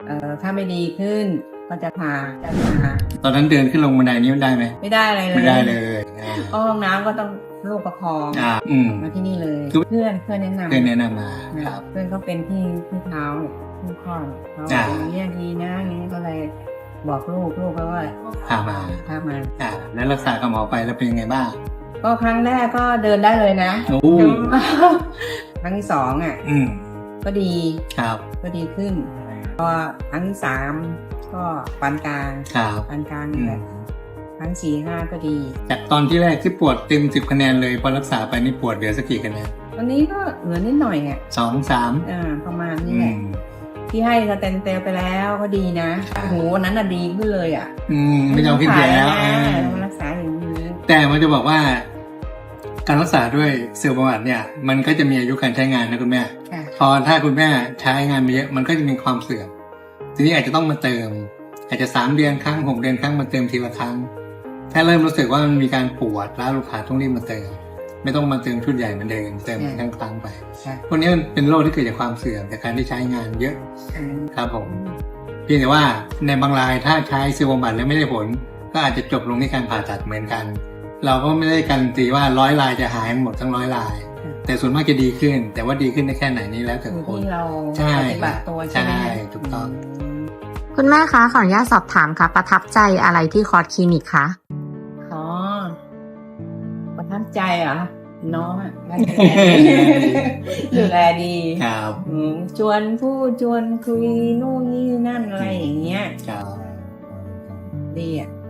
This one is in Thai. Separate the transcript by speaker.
Speaker 1: ถ้าไม่ดีขึ้นก็จะพา
Speaker 2: ตอนนั้นเดินขึ้นลงบันไดนี้มันได้ไหม
Speaker 1: ไม่ได้อะไรเลย
Speaker 2: ไม่ได้เลย
Speaker 1: ห้องน้ำก็ต้องลูกประคองมาที่นี่เลยเพื่อนแนะนำ
Speaker 2: มาครับ
Speaker 1: เพื่อนก็เป็นที่เท้าที่ข้อเขาอย่างนี้ดีนะนี้ก็เลยบอกลูกก็ว่า
Speaker 2: พามาแล้วรักษากับหมอไปแล้วเป็นยังไงบ้าง
Speaker 1: ก็ครั้งแรกก็เดินได้เลยนะครั้งที่สองก็ดี
Speaker 2: ครับ
Speaker 1: ก็ดีขึ้นพอครั้งที่สามก็ปานกลางนี่แหละครั้ง4 5ก็ดี
Speaker 2: จากตอนที่แรกที่ปวดเต็ม10 คะแนนเลยพอรักษาไปนี่ปวดเหลือสักกี่คะแนน
Speaker 1: ตอนนี้ก็เหลือนิดหน่อย
Speaker 2: 2 3
Speaker 1: ประมาณนี้แหละที่ให้สเตนเซลไปแล้วก็ดีนะโอ้โหวันนั้นดีขึ้นเลย
Speaker 2: ไม่ต้องคิดแล้ว
Speaker 1: รักษาอย่างนี้
Speaker 2: แต่มันจะบอกว่าการรักษาด้วยเซลล์บำบัดเนี่ยมันก็จะมีอายุการใช้งานนะคุณแม่พอถ้าคุณแม่ใช้งานมาเยอะมันก็จะมีความเสื่อมทีนี้อาจจะต้องมาเติมอาจจะ3 เดือนครั้ง6 เดือนครั้งมาเติมทีละครั้งถ้าเริ่มรู้สึกว่ามันมีการปวดแล้วลูกค้าต้องรีบมาเติมไม่ต้องมาเติมชุดใหญ่เหมือนเดิมเติมครั้งไปพวกนี้มันเป็นโรคที่เกิดจากความเสื่อมจากการที่ใช้งานเยอะครับผมเพียงแต่ว่าในบางรายถ้าใช้เซลล์บำบัดแล้วไม่ได้ผลก็อาจจะจบลงที่การผ่าตัดเหมือนกันเราก็ไม่ได้การันตีว่า100 รายจะหายหมดทั้ง100 รายแต่ส่วนมากจะดีขึ้นแต่ว่าดีขึ้นได้แค่ไหนนี่แล้วแต่คน
Speaker 1: ที่เราปฏิบัติตัวใช่
Speaker 2: ถูกต้อง
Speaker 3: คุณแม่คะขออนุญาตสอบถามค่ะประทับใจอะไรที่คอร์สคลินิกคะ
Speaker 1: ประทับใจเหรอน้องดูแลดี
Speaker 2: ครับ
Speaker 1: ชวนพูดชวนคุยนู่นนี่นั่นอะไรอย่างเงี้ยดี